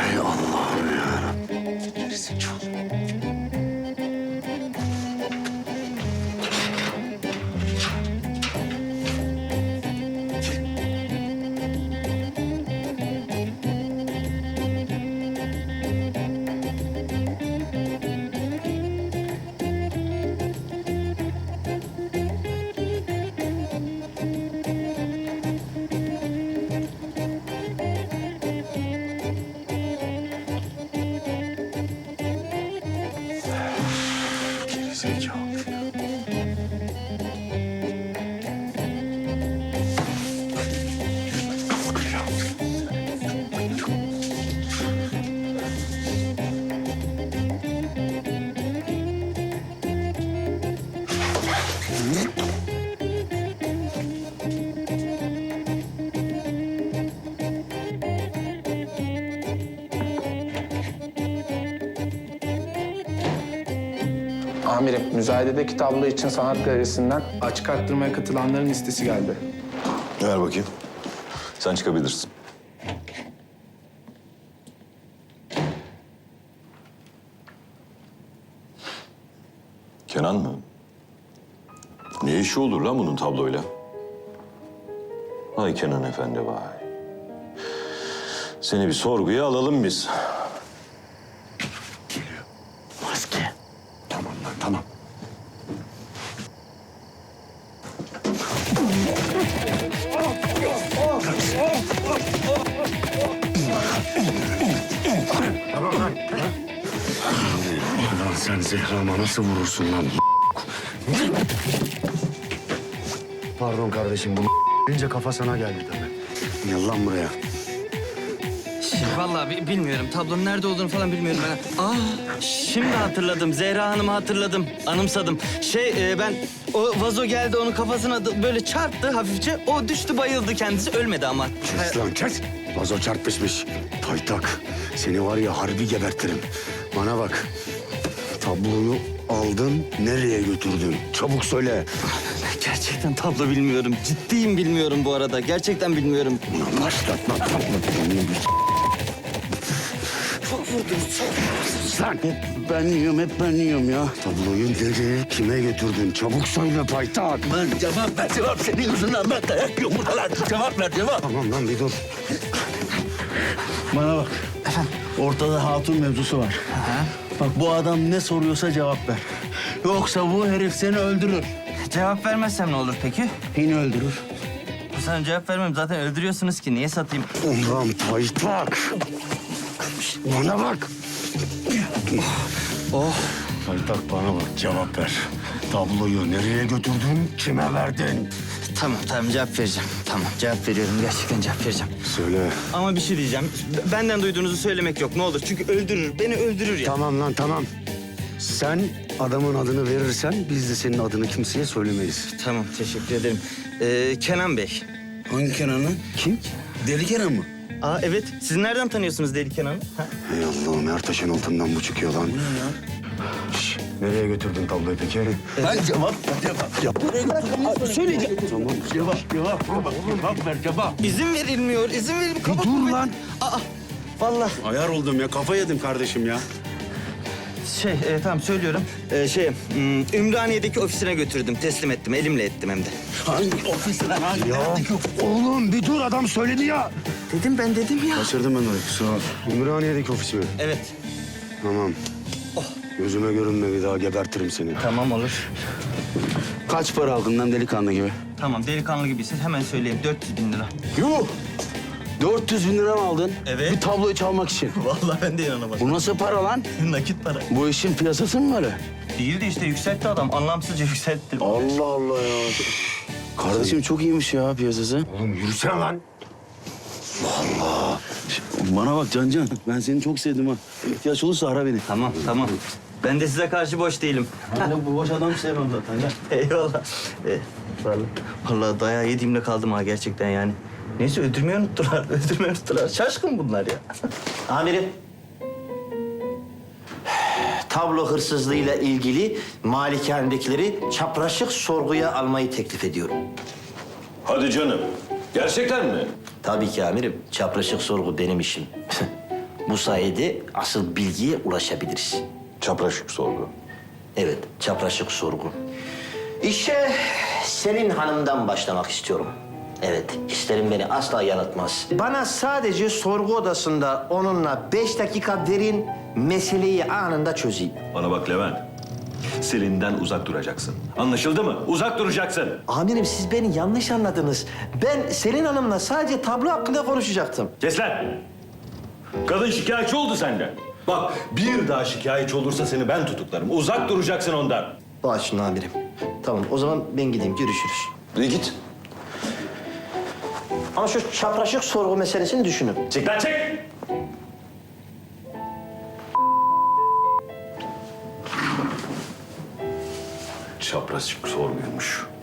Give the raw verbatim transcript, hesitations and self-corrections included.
Hay Allah'ım yarabbim. Gerizekalı. Gerizekalı. Amirim, müzayededeki tablo için sanat galerisinden açık arttırmaya katılanların listesi geldi. Ver bakayım. Sen çıkabilirsin. Kenan mı? Ne işi olur lan bunun tabloyla? Vay Kenan Efendi vay. Seni bir sorguya alalım biz. Maske. Tamam lan tamam. Lan sen Zehra'ma nasıl vurursun lan? Pardon kardeşim, bunu deyince kafa sana geldi tabii. Gel lan buraya. Şey, vallahi bi- bilmiyorum. Tablonun nerede olduğunu falan bilmiyorum ben. Aa, şimdi hatırladım. Zehra Hanım'ı hatırladım. Anımsadım. Şey, e, ben o vazo geldi onun kafasına da böyle çarptı hafifçe. O düştü bayıldı kendisi. Ölmedi ama. Kes lan kes. Vazo çarpışmış. Paytak. Seni var ya harbi gebertirim. Bana bak. Tabloyu aldın, nereye götürdün? Çabuk söyle. Gerçekten tablo bilmiyorum. Ciddiyim bilmiyorum bu arada. Gerçekten bilmiyorum. Ulan başlatma tablo. Çok vurdum. Lan hep ben yiyorum, hep ben yiyorum ya. Tabloyu nereye, kime götürdün? Çabuk söyle paytak. Lan cevap ver, cevap. Senin yüzünden ben dayak yiyorum burada lan. Cevap ver, cevap. Tamam lan bir dur. Bana bak. Efendim? Ortada hatun mevzusu var. Ha? Bak bu adam ne soruyorsa cevap ver. Yoksa bu herif seni öldürür. Cevap vermezsem ne olur peki? Yine öldürür. Bu sana cevap vermem. Zaten öldürüyorsunuz ki. Niye satayım? Ulan paytak. Bana bak. Oh. Paytak bana bak, cevap ver. Tabloyu nereye götürdün, kime verdin? Tamam tamam cevap vereceğim. Tamam cevap veriyorum. Gerçekten cevap vereceğim. Söyle. Ama bir şey diyeceğim. B- Benden duyduğunuzu söylemek yok ne olur. Çünkü öldürür. Beni öldürür ya. Tamam lan tamam. Sen adamın adını verirsen biz de senin adını kimseye söylemeyiz. Tamam teşekkür ederim. Ee, Kenan Bey. Hangi Kenan'ı? Kim? Deli Kenan mı? Aa evet. Siz nereden tanıyorsunuz Deli Kenan'ı? Ha? Ey Allah'ım, her taşın altından bu çıkıyor lan. Şş, nereye götürdün tabloyu peki? Ben cevap ver, cevap. Cevap. Nereye götürdün? Söyleyeceğim. Tamam. Cevap, cevap. Cevap ver, cevap. İzin verilmiyor. İzin verilmiyor. Bir dur lan. Aa vallahi. Ayar oldum ya, kafa yedim kardeşim ya. Şey e, tamam söylüyorum. Ee, şey hmm, Ümraniye'deki ofisine götürdüm. Teslim ettim. Elimle ettim hem de. Hangi ofisine, hangi Ya neredeki ofis? oğlum bir dur, adam söyledi ya. Dedim ben dedim ya. Kaçırdım ben orayı, kusura bakma. Ümraniye'deki ofisi mi? Evet. Tamam. Gözüme görünme, bir daha gebertirim seni. Tamam olur. Kaç para aldın lan delikanlı gibi? Tamam delikanlı gibiysiniz. Hemen söyleyeyim. dört yüz bin lira. Yuh! dört yüz bin lira mı aldın? Evet. Bir tabloyu çalmak için. Vallahi ben de inanamadım. Bu nasıl para lan? Nakit para. Bu işin piyasası mı böyle? Değildi işte yükseltti adam. Anlamsızca yükseltti. Allah Allah ya. Kardeşim çok iyiymiş ya piyasası. Oğlum yürüsene lan. Allah. Bana bak Cancan, ben seni çok sevdim ha. İhtiyaç olursa ara beni. Tamam tamam. Ben de size karşı boş değilim. Ben de bu boş adam sevmem zaten ya. Eyvallah. Ee, vallahi, vallahi dayağı yediğimle kaldım ha gerçekten yani. Neyse öldürmeyi unuttular. Öldürmeyi unuttular. Şaşkın bunlar ya. Amirim. Tablo hırsızlığıyla ilgili malikanedekileri çapraşık sorguya almayı teklif ediyorum. Hadi canım. Gerçekten mi? Tabii ki amirim. Çapraşık sorgu benim işim. Bu sayede asıl bilgiye ulaşabiliriz. Çapraşık sorgu. Evet, çapraşık sorgu. İşe Selin Hanım'dan başlamak istiyorum. Evet, hislerim beni asla yanıltmaz. Bana sadece sorgu odasında onunla beş dakika verin, meseleyi anında çözeyim. Bana bak Levent. Selin'den uzak duracaksın. Anlaşıldı mı? Uzak duracaksın. Amirim siz beni yanlış anladınız. Ben Selin Hanım'la sadece tablo hakkında konuşacaktım. Kes lan! Kadın şikayetçi oldu senden. Bak bir daha şikayetçi olursa seni ben tutuklarım. Uzak duracaksın ondan. Bağışlayın amirim. Tamam, o zaman ben gideyim, görüşürüz. İyi git. Ama şu çapraşık sorgu meselesini düşünün. Çık lan çık! Çapraşık sorguymuş.